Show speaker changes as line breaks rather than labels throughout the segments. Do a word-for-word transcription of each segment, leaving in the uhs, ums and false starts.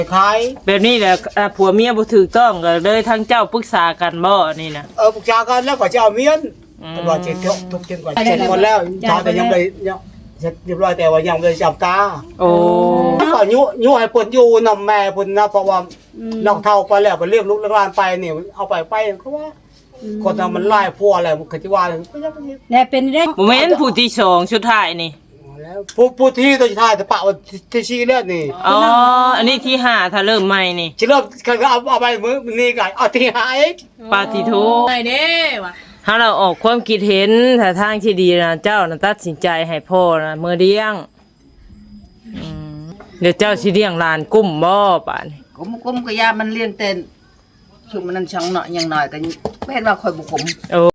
ขาย
แบบนี้แหละผัวเมียบ่ถูกต้องก็เลยทั้งเจ้าปรึกษากันบ่นี่นะ
เออปรึกษากันแล้วก็จะเอาเมียนตำรวจเจ็ดทุกเจ็ดกว่าเจ็ดคนแล้วชาวแต่ยังไม่ยังเสร็จเรียบร้อยแต่ว่ายังไม่จับตา
โอ้
ก็ยุยุให้เพิ่นอยู่นำแม่เพิ่นนะเพราะว่าน้องเฒ่าไปแล้วไปเรียกลูกหลานไปนี่เอาไปไปเขาว่าคนทำมันไล่พัวอะไรมันคือสิว่า
แล้วเป็นได้
บ่แม่นผู้ที่สองสุดท้ายนี่
แล้วผู้ผู้ที่ตัวสุดท้ายจะปะว่าที่ชี้แล้วนี่
อ๋ออันนี้ที่ห้าถ้าเริ่มใหม่นี่
สิเริ่มก็เอาเอาไปมื้อนี้ก็เอาที่ห้าอีก
ปาติโท
ไปเด้ว่ะ
ถ้าเราออกความคิดเห็นถ้าทางที่ดีนะเจ้านะตัดสินใจให้พ่อนะเมื่อเลี้ยงเดี๋ยวเจ้าสิเลี้ยงหลานกุ้มบ่ป่าน
กุ้มกุ้มก็ยามันเลี้ยงเต้นชุมมันนั่นช่องหน่อยอย่างหน่อยก็ไม่เห็นว่าคอยบุกผม
โอ้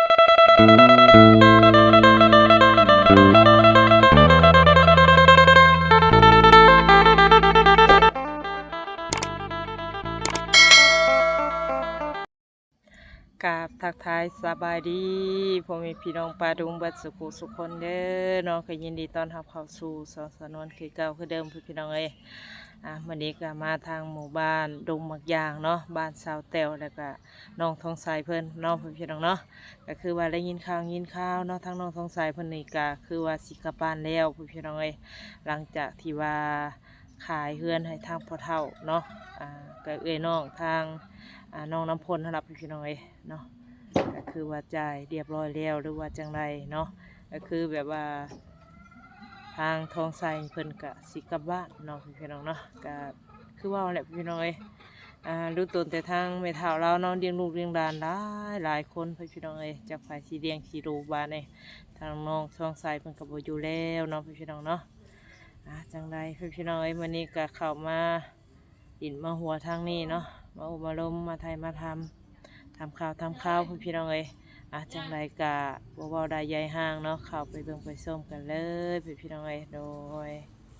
กราบทักทายสบายดีพ่อแม่พี่น้องปาดุงบัดสุขุสุขคนเด้อน้องก็ยินดีต้อนรับเข้าสู่สอนสนวนคือเก่าคือเดิมพี่น้องเอ้ยอ่ะวันนี้ก็มาทางหมู่บ้านดงมักยางเนาะบ้านสาวแต้วแล้วก็น้องทองสายเพิ่นน้องพี่น้องเนาะก็คือว่าได้ยินข่าวยินข่าวเนาะทั้งน้องทองสายเพิ่นนี่ก็คือว่าสิกลับบ้านแล้วพี่น้องเอ้ยหลังจากที่ว่าขายเฮือนให้ทางพ่อเฒ่าเนาะอ่าก็เอ้ยน้องทางอ่าน้องน้ำพลนะครับพี่น้องเอ้ยเนาะก็คือว่าจ่ายเรียบร้อยแล้วหรือว่าจังไรเนาะก็คือแบบว่าทางทองใสเพิ่นกะสิกลับบ้านเนาะพี่น้องเนาะก็คือว่าแหละพี่น้องเอ้ยอ่ารู้ตนแต่ทางแม่เฒ่าเราเนาะเลี้ยงลูกเลี้ยงหลานหลายหลายคนพี่น้องเอ้ยจากฝ่ายสีเลี้ยงสีรูบ้านเอ้ยทางน้องทองใสเพิ่นก็บ่อยู่แล้วเนาะพี่น้องเนาะอ่าจังไรพี่น้องเอ้ยมื้อนี้ก็เข้ามาดินมาหัวทางนี้เนาะมาอุมาลมมาไทยมาทำทำข่าวทำข้าวพี่น้องเอ้ยอาจังไรกะบ่เว้าได้ใหญ่ห้างเนาะเข้าไปเบิ่งไปส้มกันเลยพี่น้องเอ้ยโดย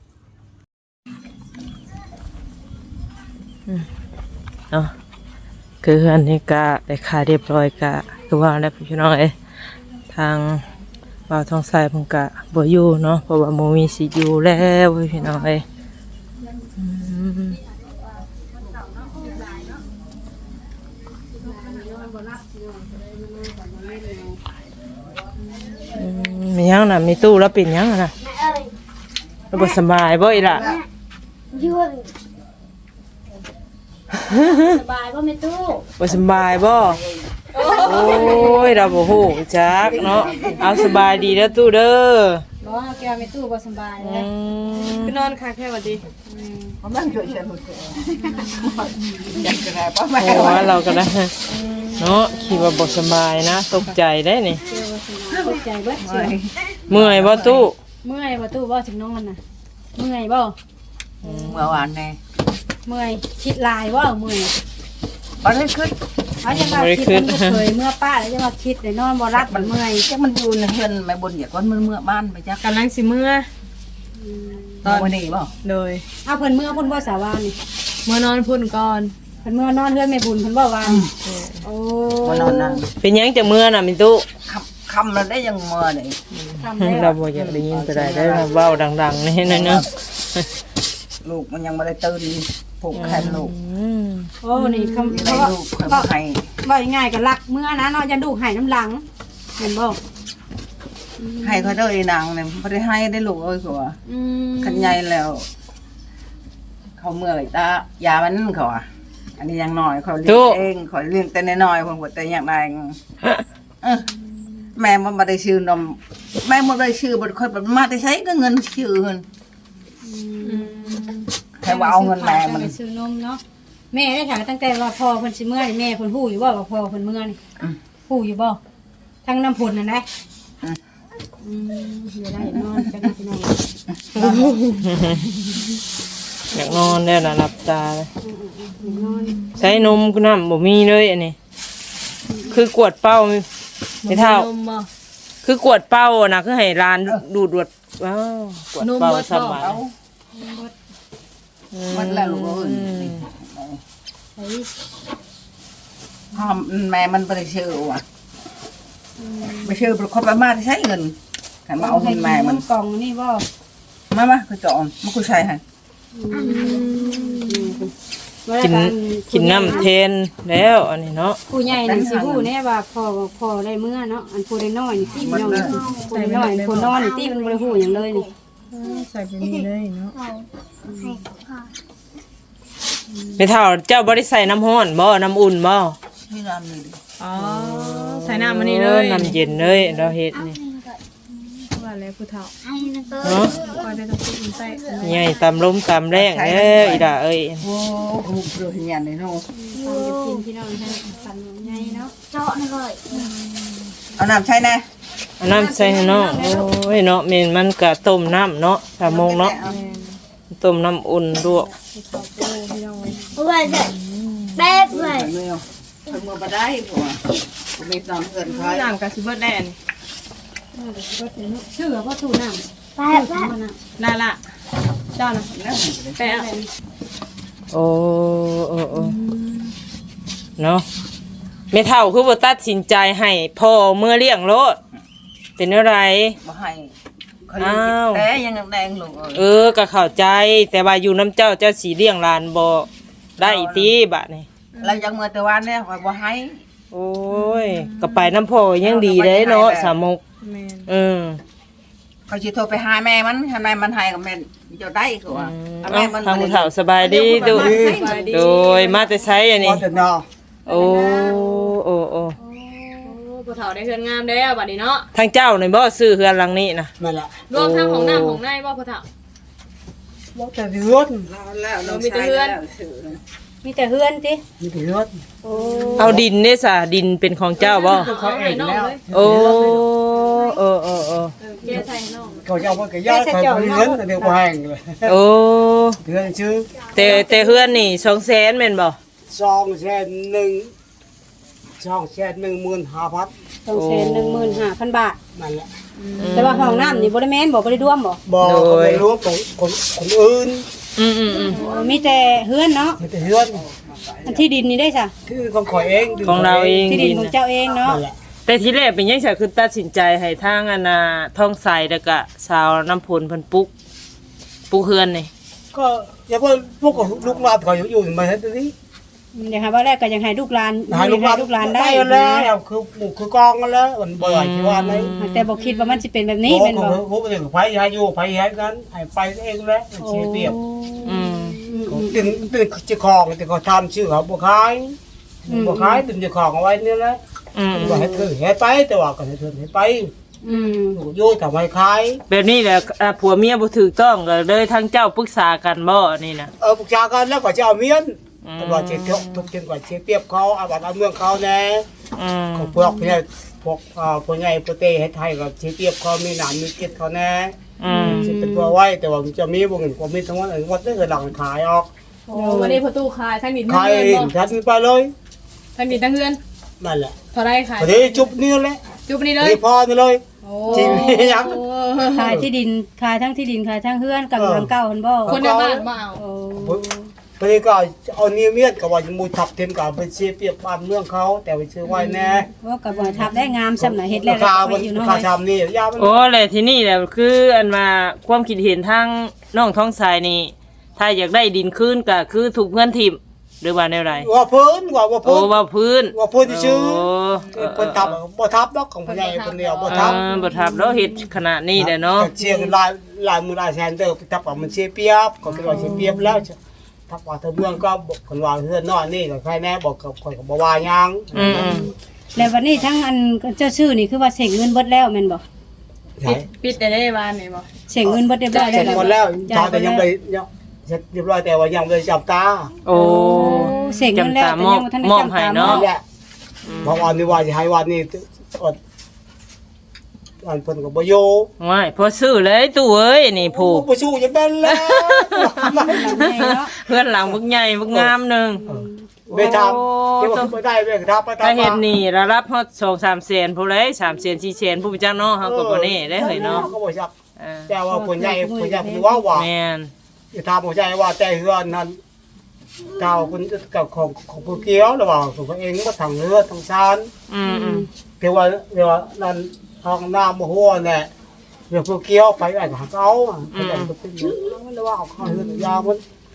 เนาะคืออันนี้กะได้ขายเรียบร้อยกะคือว่าแล้วพี่น้องเอ้ยทางบ่าวทองสายเพิ่นกะบ่อยู่เนาะเพราะว่าบ่มีสิอยู่แล้วพี่น้องเอ้ยมียังน่ะมีตู้แล้วเป็นยังน่ะเราบ่สบายบ่อีล่ะ
ยุ่งสบายบ่แม่ตู้
บ่สบายบ่โอ้ยเราบ่ฮู้จักเนาะเอาสบายดีเด้อตู้เด้อ
บ่แกแม่ตู้บ่สบายเลย
คือนอนคักแค่ว่าดี
ผมนั่งช่วยเชียร์หมดเลยอยากจะได้ป้าแม่
โอ้เราก็ได้เนาะคิดว่าบ่สบายนะตกใจได้นี่
ตกใจเบิดเชียว
เมื่อยบ่ตู้
เมื่อยบ่ตู้บ่ถึงนอนน่ะเมื่อยบ่
เมื่อวานไง
เมื่อยคิดลายบ่เมื่อย
บ่ได้ขึ้น
เอาจังว่าคิดมันเคยเมื่อป้าแล้วจะมาคิดได้นอนบ่รับมันเมื่อย
จักมันอยู่ในเฮือนแม่บนอยากว่ามันเมื่อบ้านไปจัก
กำลังสิเมื่อ
ตอนวันนี้บ่
โดย
เอาเพิ่นเมื่อเพิ่นบ่สาวานี่
เมื่อนอนพุ่นก่อน
เพิ่นเมื่อนอนเฮือนแม่บุญเพิ่นบ่วางโอ้
มานอนนั่ง
เป็นยังจะเมื่อน่ะมิตู้
คำเราได้ยังเมื่อนี่
เราบ่อยากได้ยินก็ได้ได้เว้าดังๆนี่นั่นเนาะ
ลูกมันยังบ่ได้ตื่นผูกแขนลูก
โอ้นี่คำ
เขาลูกเขาให้
ว่าง่ายๆก็รักเมื่อนะเนาะอย่าดูให้น้ำหลังเห็นบ่
ให้เขาเด้อนางเนี่ยบ่ได้ให้ได้ลูกเอ้ยผัวคันใหญ่แล้วเขาเมื่อยตายามันเขาอ่ะอันนี้ยังน้อยเขาเลี้ยงเองเขาเลี้ยงแต่น้อยๆเพิ่นบ่แต่อย่างใดเออแม่มันบ่ได้ชื่อนมแม่บ่ได้ชื่อบ่ค่อยมาได้ใช้ก็เงินชื่อเพิ่นแค่ว่าเอาเงินแม่มัน
ซื้อนมเนาะแม่ได้ถามตั้งแต่ว่าพ่อเพิ่นสิเมื่อนี่แม่เพิ่นฮู้อยู่บ่ว่าพ่อเพิ่นเมื่อนี่ฮู้อยู่บ่ทั้งน้ำผลนั่นได้อืมเดี๋ยวได้นอนจังพี่น้อง
อยากนอนได้ละหลับตาเลยใช้นมก็น้ำบ่มีเลยอันนี้คือกวดเป้าไม่เท่าคือกวดเป้านะคือให้ร้านดูดวดว้าวกวดเป้าสบาย
มันแล้วลูกเอ้ยพ่อแม่มันบ่ได้ชื่อว่ะไม่ชื่อบ่เขาไปมาได้ใช้เงินให้มาเอาเงินแม่มัน
กล่องนี่บ่
มามาคือจอมมันกูใช้ให้
ค
กินกินน้ำเทนแล้วอันนี้เนาะ
ผู้ใหญ่นี่สิฮู้แน่ว่าพ่อพ่อได้เมื่อเนาะอันผู้ได้น้อยนี่ที่พี่น้องผู้ได้น้อยผู้นอนนี่ที่มันบ่ได้ฮู้หยังเลยนี่
ใส่ไปนี่เลยเนาะ
ไม่เท่าเจ้าบ่ได้ใส่น้ำร้อนบ่น้ำอุ่นบ่
นี่น้ำนี่ดิ
อ๋อใส่น้ำมันนี่เลย
น้ำเย็นเลยเราเฮ็ดนี่
ว่าแล้วผู้เฒ่า
เนาะ
คอยได้ต้องกินใส่
ใหญ่ตามลมตามแรงเด้ออีด่าเอ้ย
โอ้โหเปลือกเหียนเลยเนาะ
ฟังจะกินพี่น้องให้ฟันใหญ่เนาะ
เอาน้ำใช่แน่
เอาน้ำใส่ให้เนาะโอ้ยเนาะแม่นมันก็ต้มน้ำเนาะสามโมงเนาะต้มน้ำอุ่นลวก
แป๊บเลย
เมื่อทำมือมาได้ผัวมีน้ำเกินคอย
น้ำกับซิเบิร์ดแดน
ชื่อว่าตู้น้ำ
แป๊บแป๊บ
น่าละเจ้านะ
แล้ว
แปะ
โอ้โอ้โอ้เนาะไม่เท่าคือบ่ตัดสินใจให้พ่อเมื่อเลี้ยงรถเป็นอะไร
มาให้เขาเลี้ยงแต่ยังแดงลูก
เออก็เข้าใจแต่ว่าอยู่น้ำเจ้าเจ้าสีเลี้ยงหลานบ่ได้ติบะนี่
เรายังเมื่อแต่วันเนี่ยคอยบ่ให้
โอ้ยก็ไปน้ำพ่อยังดีเด้เนาะสามมุก
แมน
เออ
เขาจะโทรไปหาแม่มันให้แม่มันให้กับแม่จะได้คือว่า
เอา
แม่มัน
ทางผู้เฒ่าสบายดีดูโดยมาแต่ใช้อัน
พอ
นี้
จะนอ
โอ้โอ้โอ้
ผู้เฒ่าได้เฮือนงามแล้วบัดนี้เนาะ
ทางเจ้านี่บ่ซื้อเฮือนหลังนี้นะ
นั่นแหละ
รวมทั้งของน้ำของในบ่ผู้เฒ่า
ว่าแต่เรือน
แล้วเราใช้แล้วถือ
มีแต่เฮือนติ
มีแต่เรือน
เอาดินเนี่ยสะดินเป็นของเจ้าบ่
เขาเองแล้ว
โอ้โอ้โอ้โอ้
เกียร์ใส่น้อง
เขาจะเอาไปกับญาติเขาเรือนแต่เดี๋ยวแพงเลย
โอ้
เรือนชื่อ
แต่แต่เฮือนนี่สองแสนแม่นบ่
สองแสนหนึ่งสองแสนหนึ่งหมื่นห้าพัน
สองแสนหนึ่งหมื่นห้าพันบาท
นั่นแหละ
แต่ว่าห้องน้ำนี่บ่ได้แม่นบ่บ่ได้ร่วมบ่
บอกเขาไม่รู้ของคนคนอื่น
อืมอืมอืม
มีแต่เฮือนเนาะ
มีแต่เรือน
อันที่ดินนี่ได้จ้ะ
ที่ของข่อยเอง
ของเราเอง
ที่ดิน
ดิน
ของ
น่ะ
เจ้าเองเนาะ
นั่นแหละ
แต่ทีแรกเป็นยังไงคือตัดสินใจให้ทางอันน่ะท้องใสแล้วก็สาวน้ำพลเพิ่นปลุกปลุกเฮือนนี่
ก็อย่าเพิ่งพวกลูกหลานเขาอยู่มาให้ตรงนี้
เดี๋ยวหาว่าแรกก็ยังให้ลูกหลาน
หาลูกหลาน
ลูกหลานได้
แล้วคือหมู่คือกองกันแล้วมันเบื่อที่ว่าไหน
แต่บ่คิดว่ามันสิเป็นแบบนี้
นี่
แม่
เป็น
น
บ่
บ่
ผมเป็นไผให้อยู่ไผให้นั้นให้ไปเองแล้วเสียเปรียบ
อืม
ตึงตึงเจ้าของแต่เขาทำชื่อเขาบ่ขายบ่ขายตึงเจ้าของเอาไว้นี่แหละ
อืม
ว่าให้เธอให้ไปแต่ว่าก็ให้เธอให้ไป
อืม
อยู่ทำให้ขาย
แบบนี้แหละอ่าผัวเมียบ่ถูกต้องก็เลยทางเจ้าปรึกษากันบ่นี่นะ
เออปรึกษากันแล้วก็จะเอาเมียน
อืม
แต่ว่าจะทุกจนกว่าเสียเปรียบเขาเอาบัตรเอาเมืองเขาแน่
อืม
เขาพวกเนี่ยพวกอ่าพวกใหญ่พวกเตให้ไทยก็เสียเปรียบเขามีหนามมีเกล็ดเขาแน่
อืม
สิเป็นตัวไว้แต่ว่ามันจะมีบ่เงินกว่ามีทั้งวันเองวัดได้เกิดหลังขายออก
โอ้วันนี้ประตูขายทั้งดินทั้ง
ขาย
เฮือนบ่
ทันไปเลย
ทั้งดินทั้งเฮือน
นั่นแหละ
เท่าไรขาย
พอดีจุบนี่แหละ
จุบนี่เลย
นี่พอนี่เลย
โอ้
จริงยัง
ขายที่ดินขายทั้งที่ดินขายทั้งเฮือนกับหลังเก่าเพิ่นบ่
คนในบ้านบ่เอา
โอ้
พอดีก็เอาเนียเมียดกับว่ามูทับเทนกับไปเสียเปรียบบ้านเมืองเขาแต่ไปซื้อไว้แน่
ว่ากับบ่ทับได้งามซำน่ะเฮ็ดแล้ว
รา
แล้ว
คา
ก็
มั
ไป
น
อยู่เนาะ
ราคาชามนี่ยามัน
โอ้แหละที่นี่แหละคืออันมาความคิดเห็นทางน้องท้องสายนี่ ถ้าอยากได้ดินคืนก็คือถูกเงินทิ่มหรือว่าแนวใด
ว่าเพิ่นว่าว่า
โอ้
เพิ่น
ว่าพื้น
ว่าเพิ่นชื่อ
โอ้เออ
เพิ่นทับบ่ทับดอกของผู้ใหญ่คนเดียวบ่
เอ
ทับ
อบ่ทับแล้วเฮ็ดขนาดนี้แหละเนาะ
เชียร์ลายลายมือลายแซนเดอร์ทับว่ามันเสียเปรียบก็คือว่าเสียเปรียบแล้วทับว่าเธอเมืองก็บอกคนว่าเฮือนนอนนี่ก็ใครแน่บอกกับคนก็บ่ว่าหยัง
อืมอืม
แล้ววันนี้ทั้งอันเจ้าชื่อนี่คือว่าเสกเงินเบิดแล้วแม่นบ่
ปิดปิดแต่ได้บ้านนี่บ่
เสกเงินเบิดเรียบร้อย
เสร็จ
แล้ว
หมดแล้วตอนแต่ยังไปยังเสร็จเรียบร้อยแต่ว่ายังไม่ได้จับตา
โอ้
เสกเงินแล้วแต่ยังบ่ทันได้
มอบ
จำ
ให้
ตาม
เนาะ
นั่นแหละเพราะวันนี้ว่าจะให้วันนี้อดวันเพิ่นก็บ่อยู่
ไม่พอซื้อเลยตู้เอ้ยนี่ผู้
บ่สู้จะเป็นแล้ว
เพื่อนหลังบึกใหญ่บึกงามหนึง
เบทามเดี๋ยวบ่ได้เว้ยทับไปทับ
ถ้าเฮ็ดนี่ระดับฮอดสอง สามแสนผู้เลยสามแสนสี่แสนผู้จักเนาะเฮาก็บ่แน่ได้เฮ้ยเนาะ
ก็บ่จับ
เออ
แต่ว่าคนใหญ่คนใหญ่คือว่าว่า
แม่น
จะทำบ่ใช่ว่าแต่เฮือนนั้นเก่าคุณกับของของผู้เกี่ยวหรือว่าของตัวเองก็ทางเรือทางชาน
อืมอืม
แต่ว่าเดี๋ยวนั้นทางน้ำบ่ฮู้แน่เดี๋ยวผู้เกี่ยวไปอันหาเอาอ่ะก็ได้ก็เป็นแล้วว่าเอาเข้าเรือนยามัน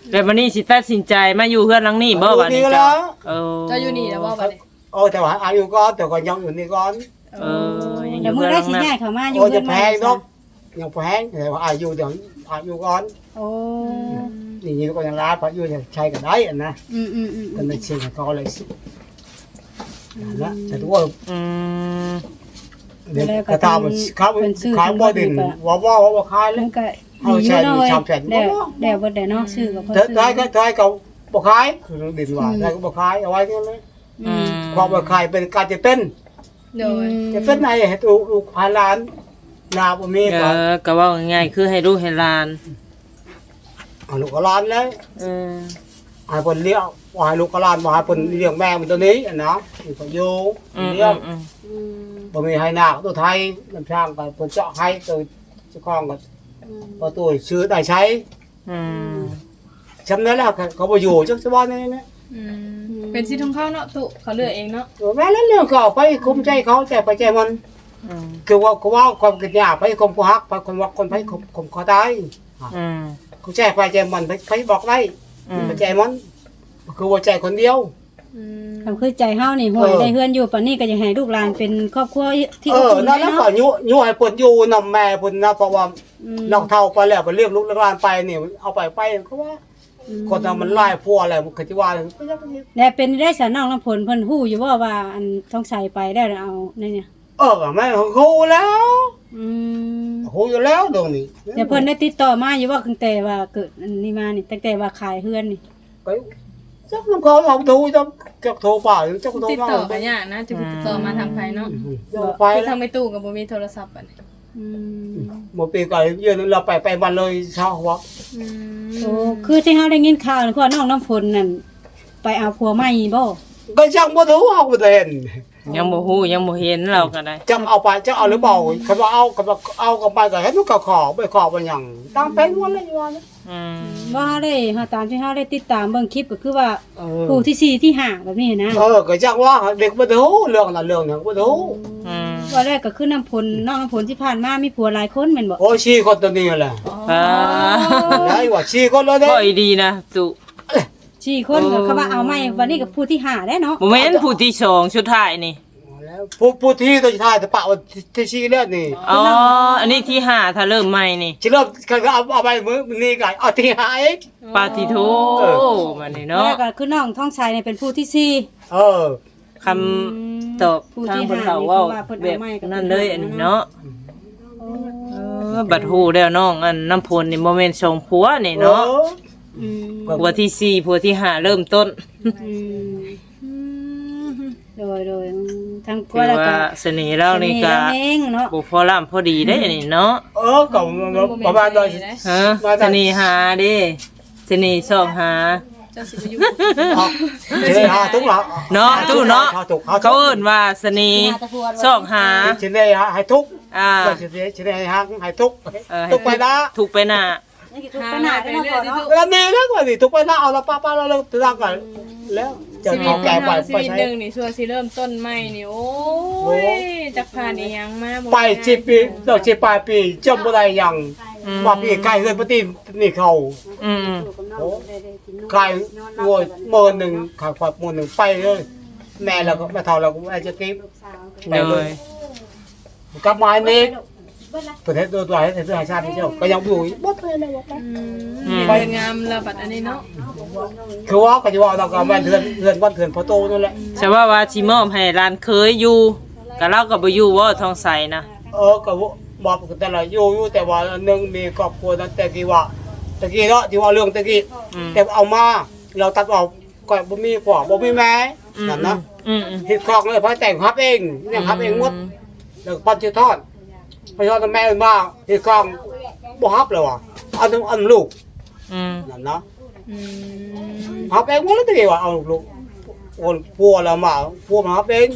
แล้ววันนี้สิตัดสินใจมาอยู่เพื่อนหลังนี้บ่บัดนี้
อยู่นี่
จ้ะ
แล้ว
เออ
เจ้าอยู่นี่แล้วบ่บัดนี้
โอ้แต่ว่าอายุก่อนแต่ก็ยังอยู่นี่ก่อน
เออยังอ
เดี๋ยว
ยู่
มื้
เพื่
อ
อนห
ได้
ลังนั้น
สิย้ายเข้ามาอยู่
โอ้
เพิ่
จะ
น
แพ
ใหม่
งเนาะยังแพงแต่ว่าอายุเดี๋ยวอายุก่อน
โอ้
นี่นี่ก็ยังร้ายเพราะอยู่จะใช้กันได้อะนะ
อืมอืมอืม
กันในเชียงเขาเลยสินะแต่ตัว
อืม
เด็กกระทำเขาขายบ่ดินว่าว่าว่าขายแล้
มั
วน
ก็
เอา
ดีอ
ใช้
ยู่
อยู่
เนาะ
ชามแผ่น
เด้อเด้อบ่ได้เนาะซื้อก็เพิ่น
แต่
ซื้อ
ได้ก็ได้เขาบ่ขายคือดินว่าได้ก็บ่ขายเอาไว้กันเลย
อืม
ความบ่ขายเป็นการจะเป็น
โดย
จะเป็นไหนให้ลูกลูกพาหลานนาบ่มี
เอ
ก็
อก็เว่าง่ายๆคือให้ลูกให้หลาน
เอาลูกหลานแล้ว
เออ
ให้เพิ่นเลี้ยงว่าให้ลูกหลานบ่ให้เพิ่นเลี้ยงแม่มันตัวนี้อ่ะนะนี่ก็อยู่
อืม
เลี้ยง
อืม
อืม
บ่มีให้นาตัวไทยน้ำช่างก็เพิ่นเจาะให้ตัวเจ้าของก็ประตูซื้อได้ใช้
อืม
จำได้แล้วเขาบ่อยู่จักสบายนี่นะ
อืมเป็นสิทธิ์ของเขาเนาะตุเขาเลือกเองเนาะ
แม่แล้วเรื่องก็ไปคุมใจเขาใจไปใจมัน
อืม
คือว่าเขาว่าความกินยาไปคุมผู้ฮักไปคนว่าคนไปคุมคุมเขาตาย
อืม
เขาใจไปใจมันไปไปบอกได้
อืม
ไปใจมันคือว่าใจคนเดียว
อืม
คำคือใจเฮานี่ห่วยได้เฮือนอยู่ปานนี้ก็อยากให้ลูกหลานเป็นครอบครัวที่
เอ
อบ
อ
อุ่น
นั่นแล้วก็
เนาะ
ยุยุให้เพิ่นอยู่นำแม่เพิ่นนะเพราะว่า
อืม
น้องเฒ่าไปแล้วไปเลี้ยงลูกเลี้ยงหลานไปนี่เอาไปไปเขาว่าคนน่ะมันไล่พัวอะไรมันคือสิว่าก็ยัง
และเป็นได้สาน้องน้ำผลเพิ่นฮู้อยู่บ่ว่าอันท้องใส่ไปได้แล้วเอานี่เนี่ย
เออแม่ของเขาแล้ว
อืม
ฮู้อยู่แล้วตรงนี้
เดี๋ยวเพิ่นได้ติดต่อมาอยู่ว่าตั้งแต่ว่าเกิดอันนี้มานี่ตั้งแต่ว่าขายเฮือนนี่
ไปจักน้ำเขาเอาโทรจักจักโทรป่าจักโทร
ติด
มา
ต่อกันยากนะจะติดต่อมาทางไผเนาะ
จักไป
คือ
แล้
ทาว งไม่ตู้กับบ่มีโทรศัพท์บัดนี้
อืม
หมดปีก่อนยืนเราไปไปวันเลยเช้าหัว
อืม
โอ้คือที่เฮาได้ยินข่าวนี่คือว่าน้องน้ำฝนนั่นไปเอาผัวใหม่บ่
ก็จังบ่รู้เอาบ่ได้เห็น
ยังบ่ฮู้ยังบ่เห็นเราก็ได้
จังเอาไปจังเอาหรือเปล่าคันว่าเอาคันว่าเอากันไปก็เห็นมันก็ขอไปขอบ่หยังตามเป็นวันเลยอยู่ว่า
อืม
ว่าได้เฮาตามที่เฮาได้ติดตามเบิ่งคลิปก็คือว่า
เอ
ผู้ที่สี่ที่ห้าแบบนี้นะ
เออก็จังว่าเด็กบ่รู้เรื่องนั้นเรื่องนั้นบ่รู้
อืม
ว่าแรกก็คือน้ำผลน้องน้ำผลที่ผ่านมามีผัวหลายคนแม่นบ่
โอ้ชี้คนตัวนี้แหละ
อ่า
ได้ว่าชี้คนเลยเด้
บ่อีดีนะตุ
สี่คนก็เขาว่าเอาใหม่วันนี้ก็ผู้ที่ห้าได้เนาะ
บ่แม่นผู้ที่สองสุดท้ายนี่
แล้วผู้ผู้ที่ตัวท้ายแต่ปะว่าที่ชี้แล้วนี่
อ๋ออันนี้ที่ห้าถ้าเริ่มใหม่นี่
สิเริ่มคันก็เอาเอาไปมื้อนี้ก็เอาที่หาเอง
ปาติโทมานี่
แล้
เนาะ
วก็คือน้องท้องชายเนี่ยเป็นผู้ที่สี่
เออ
คำตอบทางเพิ่นเขาเว้าแบบนั่นเลยอันนี้เนาะเออบัดฮู้แล้วน้องอันน้ำพลนี่บ่แม่นสองผัวนี่เนาะ
อืม
ผัวที่สี่ผัวที่ห้าเริ่มต้น
อืมโดยโดยทางผั
คื
ว
อ
แล้วก็
ว่าเสน่ห์เรานี่ก็
เสห์เราเองเนาะ
บ่พอล่ำพอดีได้อันนี้เนาะ
เออก็ประมาณนั้น
ฮะเสน่หาเด้เสน่ห์ชอบหา
เจ้าสิไปอยู่
เชนหาทุกหลัง
เนาะตู้เนาะ
ทุก
เขาเอิ้นว่าเสน่ห์ชอบหา
เชนได้ให้ทุก
อ่า
ก็เชนได้เชนได้ให้ให้ทุก
เออ
ทุกไปนะ
ถูกไปหน้า
นี่คือทุกปัญหาไปเนาะพ่อเนาะ
เวลานี้แล้วก็สิทุกไปนะเอาละป้าป้าเราเลิกทางกันแล้วจะ
ชีวิต
เอา
ข
แก่
อง
ไป
เราชี
ไป
วิต
ใช้
หนึงนี่ชัวร์สิเริ่มต้นใหม่นี่โอ้ยจักผ่านอีหยังมาบ่
ไปสิปีดอกสิปลายปีจำบ่ได้ยัง
อืม
ว่าปีใกล้เฮือนปฏินี่เขา
อืม
ใกล้งวยมื้อนึงขาขวดมื้อนึงไปเลยแม่แล้วก็แม่เฒ่าแล้วก็อาจจะกิน
เลย
กลับมานี่ประเทศตัวตัวประเทศชาติเจ้าก็ยังอยู่บ่เคยเลยว่า
อืมเป็นงามระบัดอันนี้เนาะ
คือว่าก็จะว่าเราก็แม่นเทือนเทือนวันเทือนพอโตนั่นแหละ
ใช่ว่าว่าสิมอบให้ร้านเคยอยู่ก็เราก็บ่อยู่ว่าทองใสนะ
เออก็บอกแต่ละอยู่อยู่แต่ว่าหนึ่งมีครอบครัวนั้นแต่กี้ว่าตะกี้เนาะที่ว่าเรื่องตะกี้แต่เอามาเราตัดออกก็บ่มีพ่อบ่มีแม่นั่นนะ
อืมอืม
เฮ็ดครองเลยพอแต่งครับเองเนี่ยครับเองหมดแล้วปัจจุทอดพอทอดแม่มาเฮ็ดครองบ่ฮับแล้วอ่ะเอาถึงอันลูก
อืม
นั่นนะ
อืม
ฮับเองหมดแล้วตะกี้ว่าเอาลูกโอนพัวเรามาพัวมาฮับเอง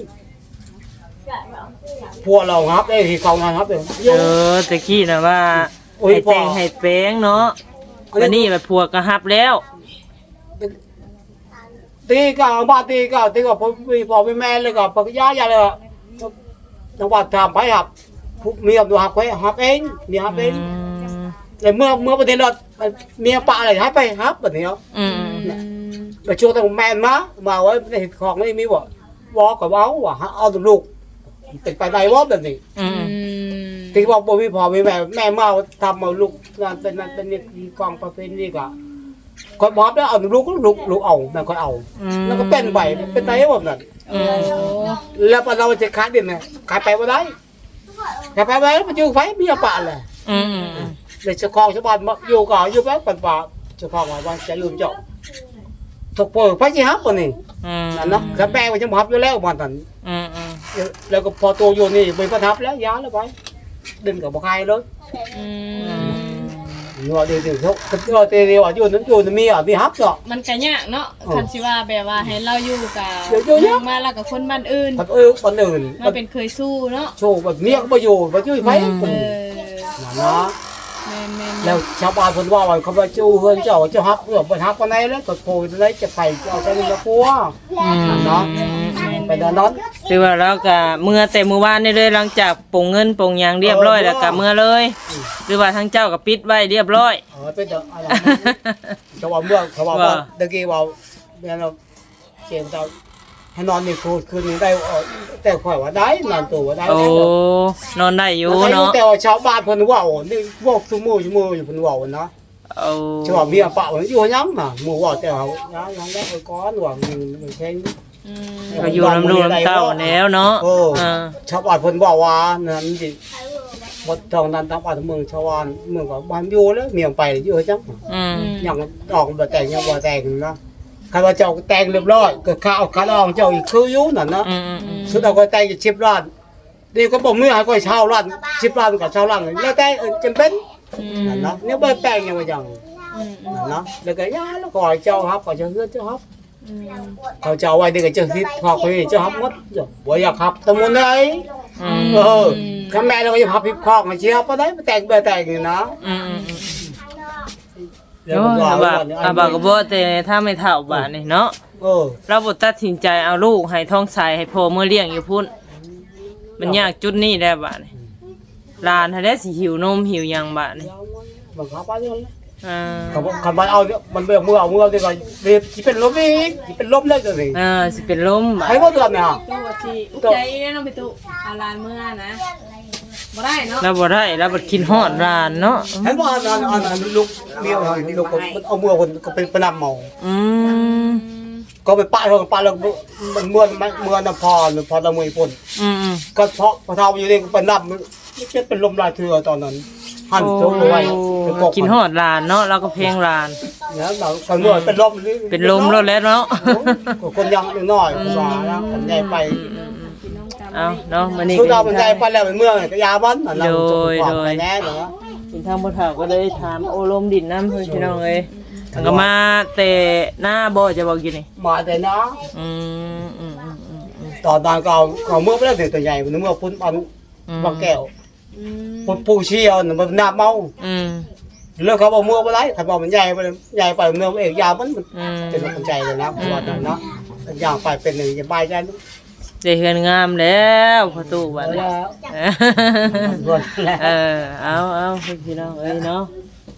พัวเราฮับเองที่เขาฮับเอง
เออตะกี้น่ะว่า
โอ้ย
ให้แต่ง
พ่อ
ให้แป้งเนาะวันนี้แบบผัวก็ฮับแล้ว
ตีก็เอาบ้านตีก็ตีก็ผมมีพ่อมีแม่เลยก็ปกย่าอย่าเลยจังหวัดทำไปครับเมียดูหับไปหับเองเมียหับเอง
อืม
แต่เมื่อเมื่อประเทศเราเมียปะอะไรให้ไปครับแบบนี้เนาะ
อืม
ไปช่วงตั้งแมนมามาไว้ในของไม่มีบ่วอกับเอาว่ะเอาตัวลูกติดไปไหนวะแบบนี้
อืม
ที่บอกบ่มีพ่อมีแม่แม่มาทำเอาลูกนั่นเป็นนั่นเป็นนี่กองประเพณีก็ก็บอกแล้วเอาลูกลูกลูกเอาแม่ก็เอา แล้วก็เป็นใบเป็นไงแบบนั้น
อืม
แล้วพอเราจะขายดินเนี่ยขายไปบ่ได้ขายไปบ่ได้มันอยู่ไฟมีปะเลย
อืม
เดี๋ยวเจ้าของชาวบ้านมาอยู่ก็อยู่ไปปันป่าเจ้าของว่าว่าจะอยู่เจ้าถูกปล่อยไปสิครับคนนี้
อืม
นั่นเนาะกระแปงมันจะมาฮับอยู่แล้วมันนั่น
อืมอืม
แล้วก็พอตัวอยู่นี่ไม่ประทับแล้วย้ายแล้วไปดินกับบ่ใครเลย
อืม
อยู่เดี๋ยวเดี๋ยวเขาเดี๋ยวเดี๋ยวอยู่นั้นอยู่มีอ่ะมีฮับเนาะ
มันก็ยากเนาะคันสิว่าแบบว่าให้เราอยู่กับ
เดี๋ยวอยู่เยอะ
มาแล้วกับคนบ้านอื่น
คนเออคนอื่น
มาเป็นเคยสู้เนาะ
โชว์แบบเมียก็มาอยู่มาอยู่ไฟ
เอ
คน
อ
นั่นเนาะ
แม่นแม่น
แล้วชาวบ้านเพิ่นว่าว่าเขาว่าจู้เฮือนเจ้าเจ้าฮับเพื่อบ่ฮับปานใดแล้วก็โผล่ได้จะไปเอาใจเงินปัวนั่นเนาะไปดันนั้น
คือว่าเราก็เมื่อแต่เมื่อวานนี่เลยหลังจากปลงเงินปลงหยังเรียบร้อยแล้วก็เมื่อเลย หรือว่าทั้งเจ้าก็ปิดไว้เรียบร้อย
เออเป็นเด้ออะไรเขาว่าเมื่อเขาว่าว่าตะกี้ว่าแม่เราเจนเจ้าให้นอนนี่คืนคืนนี้ได้แต่ข่อยว่าได้นอนตัวว่าได้
โอ้นอนได้อยู่เนาะ
แต่ว่าชาวบ้านเพิ่นว่าโอ้นี่พวกซุมื้อซุมื้ออยู่เพิ่นว่าเนาะ
โอ้
ชาวเมียปะมันอยู่ยังน่ะหมู่ว่าแต่ว่ายังยังได้ก้อนว่ามันแข็ง
อืม
ก็อยู่น้ำดูน้ำเต้าแล้วเนาะ
โอ้
อ่า
ชาวบ้านเพิ่นบอกว่านั่นสิบ่ต้องนั้นทางบ้านเมืองชาวบ้านเมืองก็บ้านอยู่แล้วเมียงไปอยู่จัง
อืม
ยังดอกบ่แต่งยังบ่แต่งนะคันว่าเจ้าแต่งเรียบร้อยก็ข้าวข้าดองเจ้าอีกคืออยู่นั่นนะ
อืมอืมอืม
สุดเอาก็แต่งจะสิบล้านนี่ก็บ่มีให้ก็เช่าล้านสิบล้านก็เช่าล้านแล้วแต่จำเป็นนั่นนะเนี่ยบ่แต่งยังว่าจังนั่นนะแล้วก็ยาแล้วก็เจ้าครับก็จะเฮือนเจ้าครับเขาเจ้าไว้นี่ก็จะคิดพอคุยเจ้าครับหมดบ่อยากครับตะมุนได้
อืม
เออข้าแม่เราก็จะพับพิบคอกมาเชียวปะได้มาแต่งแบบแต่งนี่นะ
อืมอืมอืม
แล้ว
โอ้
ก็
ย
ว่า
อาบาอาบาก็บ่แต่ถ้าไม่เท่าบาดนี่เนาะ
เออ
เราบ่ตัดสินใจเอาลูกให้ท้องใสให้พ่อเมื่อเลี้ยงอยู่พุ่นมันยากจุดนี้แหละบาดนี่หลานถ้าได้สิหิวนมหิวหยังบาดนี่
บังคับไปเลย
อ่า
เขาบอกคันมันเอามันเบื่อมือเอามือเอาดีกว่าเรียบที่เป็นลมอีกที่เป็นลมได้เลย
อ่าสิเป็นลมบาด
ให้ว่าเดือนเนี่ย
ตู้ว่าสิอุกใจเนาะไปตู้เอาลานเมื่อนะบ่ได้เนาะ
เราบ่ได้เราบ่กินฮอดร้านเนาะ
ให้ว่าอันอันอันลูกเมียลูกมันเอามือคนก็เป็นประนำเมา
อืม
ก็ไปป้าเขาป้าแล้วมันเมื่อเมื่อน้ำพอพอตะมือพ่น
อืมอืม
ก็เพราะพอเท่าอยู่นี่เป็นน้ำมันจะเป็นลมลายเถื่อตอนนั้นหั่นโซ่ไว้เป็นกบ
กินฮอดร้านเนาะเราก็เพลงร้าน
เนี่ยเราคนเมื่อเป็นลม
เป็นลมแล้วแหล้วเนาะ
คนยังน้อยคนว่าแล้วคนใหญ่ไป
เอาเนาะมื้อนี้
สุ
ก็
ดามันใหญ่ไปแล้วเป็นเมืองก็ยาบ้านนั่นเรา
โดย
จะ
โดย
แน่เนาะ
กินทางบ่เฒ่าก็เลยถามโอลมดินน้ำเพิ่นพี่น้องเอ้ยมันก็มาแต่หน้าบ่จะบอกอยู่นี่
มาแต่นะ
อืมอืมอืมอืมอืม
ตอนตอนก็เอาเมื่อไปแล้วถึงตัวใหญ่มันเมื่อพุ่นปันบางแก้วพุ่นปูเชียวมันน้ำเมา
อืม
เลิกเขาบอกเมื่อไปไรถ้าบอกมันใหญ่ไปใหญ่ไปเมื่อเอกยามัน
อืม
เป็นคนใจเลยนะว่านั้นเนาะอย่างไปเป็นหนึ่งจะบายใจ
ได้เฮือนงามแล้วประตูบัดนี้
แล้ว
เออ
รวดแล้ว
เออเอาเอาพี่น้องเอ้ยเนาะ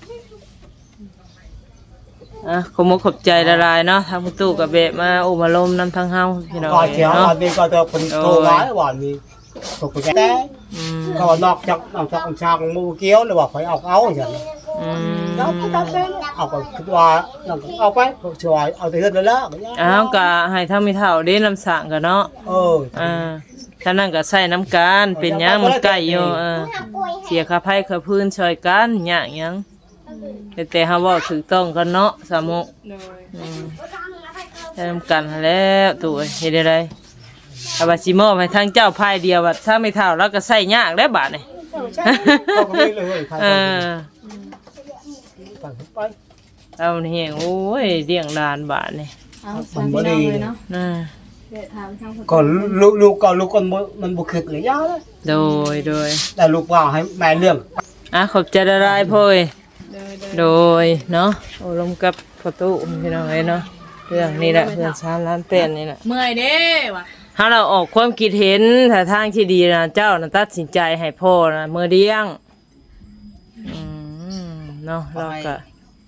อ่ะขอบคุณขอบใจละลายเนาะทางประตูกับเบะมาอุมาลมนำทางเฮาพี่น้อง
ก่อน
เอ้ย
เช้า
เนาะ
วันนี้ก็จะคนโทรมาวันนี้ตกใจแต่
อืม
เขานอกจากนอกจากชางมูเกี้ยวเลยว่าคอยเอาเอาอย่างนี้
อืม
แล้วก็ทำได้เอาก็คิดว่าเอาไปช่วยเอาไปเฮือนแล้ว
อ้าวก็ให้ทำมีเท่าเด้น้ำสางกันเนาะ
เออ
อ่าท่านั้นก็ใส่น้ำกันเป็นหยังมันใกล้อยู่เออเสียค่าไผค่าพื้นช่วยกันหยังหยังแต่แต่เฮาเว้าถูกต้องกันเนาะสามุ
โดย
อืมใช้น้ำกันหั้นแหล้วตัวเฮ็ดได้ไดถ้าว่าสิมอบให้ทางเจ้าพายเดียวบัดถ้าไม่เท่าแล้วก็ใส่ยากแล้วบาดนี่
เขาก็ไม่เลยใคร
เออ
ไป
เอานี่โอ้ยเลี้ยงหลานบาดนี่
เอาสามพี่น้องเลยเนาะ
น่ะ
เดี๋ยวถามทางคน
ก็ลูกลูกก็ลูกคนมันบุคึกเลยยาเลย
โดยโดย
แต่ลูกว่าให้แม่เรื่อง
อ่ะขอบใจละลายพ่อย
โดยโดย
โดยเนาะโอ้ลมกับประตูพี่น้องเอ้ยเนาะเรื่องนี้แหละเพื่อนชาล้านเต้นนี่แหละ
เมื่อยเด้ว่ะ
ถ้าเราออกความคิดเห็นถ้าทางที่ดีนะเจ้านะตัดสินใจให้พ่อนะเมื่อเลี้ยงอืมเนาะเราก็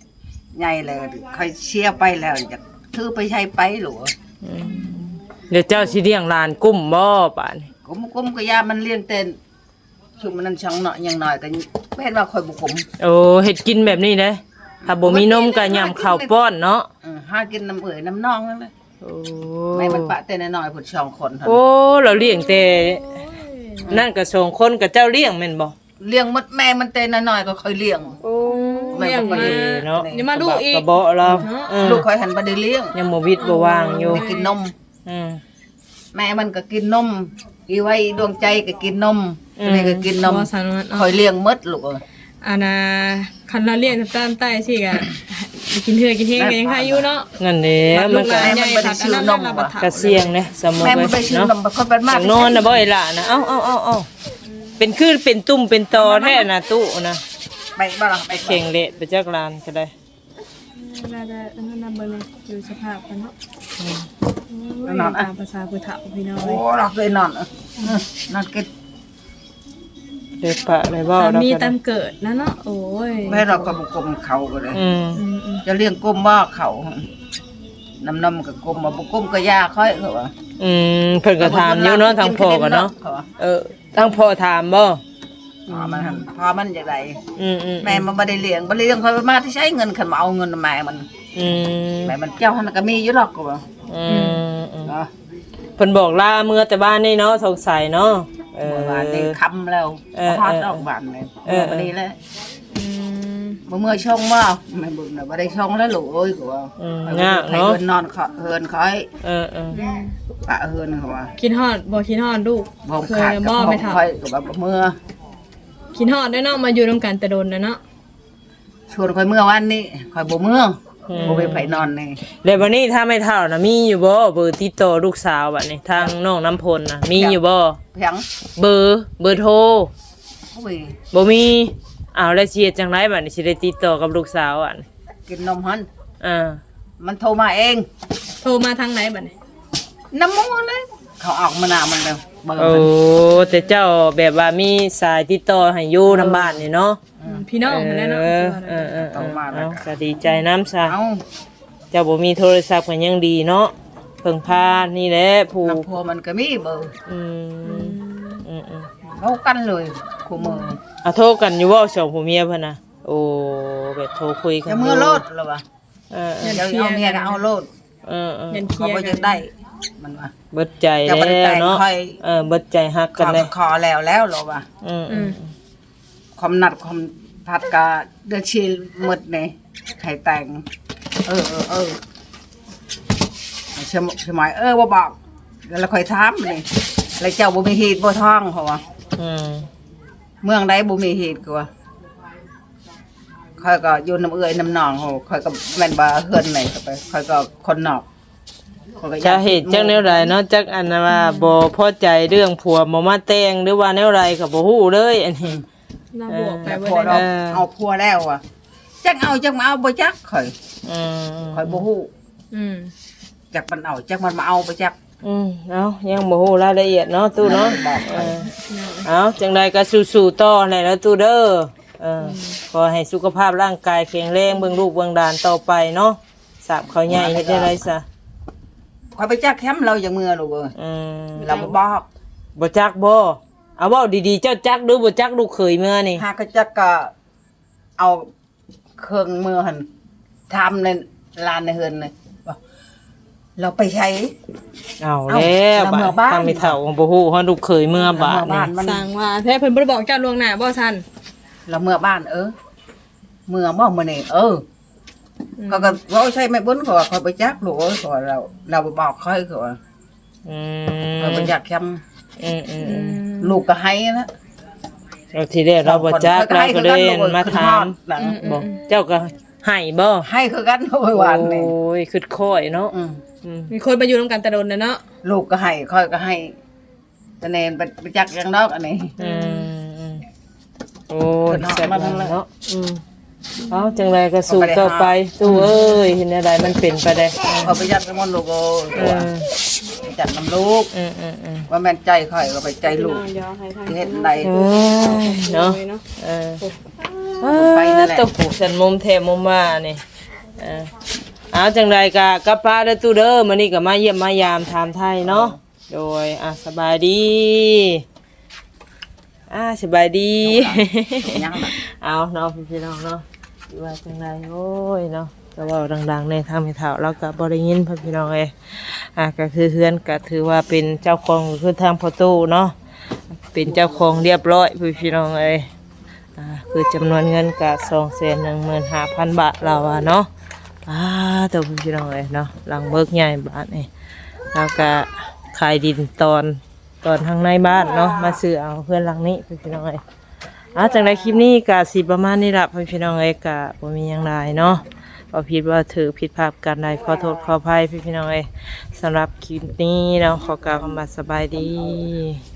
ใหญ่แล้วค่อยเชียร์ไปแล้วจะถือไปใช้ไปหรอ
เดี๋ยวเจ้าสิเลี้ยงหลานกุ้มบ่ป่านนี้
กุมกุมก็ยามันเลี้ยงเต้นคือมันนั่นช่างเนาะอย่างน้อยก็เห็นว่าค่อยบ่กุม
โอ้เฮ็ดกินแบบนี้เด้ถ้าบ่มีนมก็ยำข้าวป้อนเนาะ
เออหากินน้ำเอ๋ยน้ำนองนั่นแหละ
โอ้
ไม่มันปะแต่น้อยๆพุ่นสองคนเท่า
โอ้
นั้น
เราเลี้ยงแต่นั่นก็สองคนกับเจ้าเลี้ยงแม่นบ่
เลี้ยงมดแม่มันแต่น้อยๆก็ค่อยเลี้ยง
โอ้
แม่บ่ได้
เนาะ
เดี๋ยวมาลูกอีก
กระเบาะเราเออ
ลูกค่อยหันบ่ได้เลี้ยง
ยังบ่วิดบ่วางอยู่
ได้กินนม
อืม
แม่มันก็กินนมอีไว้ดวงใจก็กินนม
อืม
นี่ก็กินนม
บ่สานวน
คอยเลี้ยงหมดลูกเอ้ย
อันน่ะคันเราเลี้ยงตามใต้สิก็กินเถื่อกินเฮงก็ยังคาอยู่เนาะ
นั่นแหละมันก็
แม่มันบ่ได้ซื้อนมว่ะ
กระเสียงเด้สมมุติ
แม่มันไปซื้อ
เนาะ
นมบ่ค่อยเป็น
อ
มาก
ยากนอนน่ะบ่ไอ้ล่ะนะเอ้าเอ้าเอ้าเอ้าเป็นคือเป็นตุ่มเป็นตอแท้น่ะตู้นะ
ไปบ่ล่ะไป
เข่งเละไปจักลานก็ได้
น่าจะนั่นน่ะเบิ่งอยู่สภาพกันเนาะตามภาษาผู้เฒ่าพี่น้อง
โอ้เราเคยนอนเออนอนกิน
เดี๋ยวปะได้บ่
ตาม
เรา
มี
ก็
ตา
ได้
มเกิดนะเนาะโอ้ย
แม่เราก็บ่กลมเขาก็เลย
อืม
อืมอืม
จะเลี้ยงกลมบ่เขาน้ำนมก็กลมบ่บ่กลมก็ยาค่อยเขาว่า
อืมเพิ่นก็ถามอยู่เนาะทางพ่อก็เนาะ
ขว่
เออทางพ่อถามบ่
อ๋อมันหั่นพอมันจังได
อืมอืม
แม่มันบ่ได้เลี้ยงบ่ได้เลี้ยงค่อยมาที่ใช้เงินคันมาเอาเงินแม่มัน
อืม
แม่มันเจ้าหั่นก็มีอยู่หรอกก็ว่า
อืมอืม
เนาะ
เพิ่นบอกลาเมื่อแต่บ้านนี่เนาะสงสัยเนาะเออ
เมื่อวานนี้ค่ำแล้ว
เออ
ฮอด
เออ
ออกบ้านเลย
เออ
บ่ได้แล้ว
อืม
บ่เมื่อชงบ่แม่บุญน่ะบ่ได้ชงแล้วลูกเอ้ยก็ว่า
อืม
ให้
ยาก
ให้
เนาะ
เพิ่นนอนเขาเฮินคอย
เออเออ
ปะเฮินเขาว่า
คิดฮอดบ่คิดฮอดลูก
บ่
เค
ขาด
ย
กับ
บ่
บ่
ไม่เฒ่า
คอยก็ว่าบ่เมื่อ
คิดฮอดได้เนาะมาอยู่นํกันแต่โดนนะเนาะ
ชวนคอยเมื่อวันนี้คอยบ่เมื่อบ่ไปไผนอนนี่
แล้ววันนี้ถ้าไม่เท่าน่ะมีอยู่บ่เบอร์ติดต่อลูกสาวบัดนี้ทางน้องน้ำพลน่ะมีอยู่บ่
เพียง
เบอร์เบอร์โทร
โอ้ย
บ่มีอ้าวแล้วสิเฮ็ดจังไดบัดนี้สิได้ติดต่อกับลูกสาวอ่ะ
กินนมหัน
อ่า
มันโทรมาเอง
โทรมาทางไหนบัดนี้
น้ำมูกเลยเขาออกมาหน้ามันแล้วเบิ่ง
โอ้
มัน
แต่เจ้าแบบว่ามีสายติดต่อให้อยู่นำบ้านนี่เนาะ
พี่น้องนั่นแหละเนาะ
เออเออเออเออเอาก็ดีใจน้ำซะ
เอา
เจ้าบ่มีโทรศัพท์ก็ยังดีเนาะเพิ่งพานี่แหละผู้
น้ำพัวมันก็มีเบอร์
อืมอืมอืม
เขากันเลยคู่มือ
อ่ะโทรกันอยู่บ่สองผัวเมียเพิ่นน่ะโอ้แบบโทรคุยกัน
จะเมื่อโลดแล้ววะ
เออเออ
เดี๋ยวเอาเมียก็เอาโลด
เออเออ
ยันเคลี
เขา
ยร์
บ่
กั
จะ
น
ได้มันว่า
เบิดใจ
จะบ่ได้
แล้
แต่
ว
ง
เนาะ
ค่อย
เออเบิดใจฮัก
ข
กัน
อ
เลย
ขอแล้วแล้วเหรอวะ
อืม
อืม
ความนัดความพัดกะเดือดชีหมดนี่ไข่แต่ง เออเออเออสมสมัยเออบ่บอกแล้วค่อยถามนี่แล้วเจ้าบ่มีเหตุบ่ท้องเขาว่า
อืม
เมืองใดบ่มีเหตุก็ว่าค่อยก็อยู่น้ำเอื้อยน้ำหนองเขาค่อยก็แม่นว่าเฮือนไหนก็ไปค่อยก็คนนอกข้อยก็อย
จะ
ก
เหตุจักแนวใดเนาะจักอันน่ะว่าบ่พอใจเรื่องผัวบ่มาแต่งหรือว่าแนวใดก็บ่ฮู้เลยอันนี้
เราบวกไป
แต่
เบิ
พอ
ด
เรา
ได้
เออ
เอาพัวแล้วอ่ะจักเอาจักมาเอาบ่จักข่อย
อืม
ข่อยบ่ฮู้
อืม
จักมันเอาจักมันมาเอาบ่จัก
อืมเอายังบ่ฮู้รายละเอียดเนาะตู้เนาะ
บอก
เออเอาจังใดก็สู้ๆต่อแหละแล้วตู้เด้อเออขอให้สุขภาพร่างกายแข็งแรงเบิ่งลูกเบิ่งหลานต่อไปเนาะสาบเขาใหญ่เฮ็ดได้ไรซะ
ข่อยไปจักแคมป์เราอย่างเมื่อลูกเอ้ย
อืม
เราบ่บอก
บ่จักบ่เอาเว้าดีๆเจ้าจักหรือบ่จักลูกเขยเมื่อนี่
หากก็จักก็เอาเครื่องมือหั่นทำในลานในเฮือนเลยว่าเราไปใช้
เอาแล้ว
เอา
บัด
เมื่อบ้าน
ตั้งไม่เฒ่าบ่ฮู้ฮอดลูกเขยเมื่อบาด
เมื่อ
นี่
บ้านมัน
สั่งว่าแท้เพิ่นบ่ได้บอกเจ้าล่วงหน้าบ่ซั่น
เราเมื่อบ้านเออเมื่อบ่มื้อนี้เออเขาก็เว้าใช่ไหม่บุญเขาว่าข่อยไปจักลูกเอ้ยเขาว่าเราเราบ่บอกค่อยเขาว่า
อื
ข่อย
ม
ไปจักแคมป์
อืมอืมอืม
ลูกก็ให้นะ
เราทีแรกเราบ่จักเราก็เลยมาถาม
หลัง
บ่เจ้าก็ให้บ่
ให้คือกันโอ้ยหวานนี่
โอ้ยคือค่อยเนาะ
อืม
อืม
มีคนมาอยู่นํกันแต่โดนนะเนาะ
ลูกก็ให้ค่อยก็ให้ตะเนนไปไปจักอย่างนอกอันนี้
อืมอืมโอ้ย
เกิด
แซ่บ
มาทั้งนั้น
เนาะอืมเอาจังไรก็สู้ต่อไปตู้เอ้ยเห็นอะไรมันเป็นไปได้
พอไปจักกับมันลูกโอ้ย
เออ
ไปจักน้ำลูก
อืมอืมอืม
ว่าแม่นใจค่อยก็ไปใจลูกที่เฮ็ดใด
เออเนาะเออ
ไปนั่นแหละ
ต้องผูกสันมุมแทมุมว่านี่เออเอาจังใดกะกับป้าและตู้เด้อมื้อนี้ก็มาเยี่ยมมายามถามไทยเนาะโดยอ่ะสบายดีอ่าสบายดี
ยังน่ะ
เอาเนาะพี่น้องเนาะว่าจังใดโอ้ยเนาะก็เว้าดังๆในทางไม่เฒ่าเราก็บ่ได้ยินพี่น้องเอ้ยอ่ะก็คือเฮือนก็ถือว่าเป็นเจ้าของคือทางพ่อตู้เนาะเป็นเจ้าของเรียบร้อยพี่น้องเอ้ยอ่าคือจำนวนเงินก็ สองแสนหนึ่งหมื่นห้าพัน บาทเราอ่ะเนาะอ่าตัวพี่น้องเอ้ยเนาะหลังเบิกใหญ่บาทนี่แล้วก็ขายดินตอนตอนทางในบ้านเนาะมาซื้อเอาเพื่อนหลังนี้พี่น้องเอ้ยอ่าจังไดคลิปนี้ก็สิประมาณนี้ล่ะพี่น้องเอ้ยก็บ่มีหยังหลายเนาะพอผิดว่าถือผิดพลาดกันใดขอโทษขออภัยพี่น้องเอ้ยสำหรับคลิปนี้เนาะขอกล่าวคำว่าสบายดี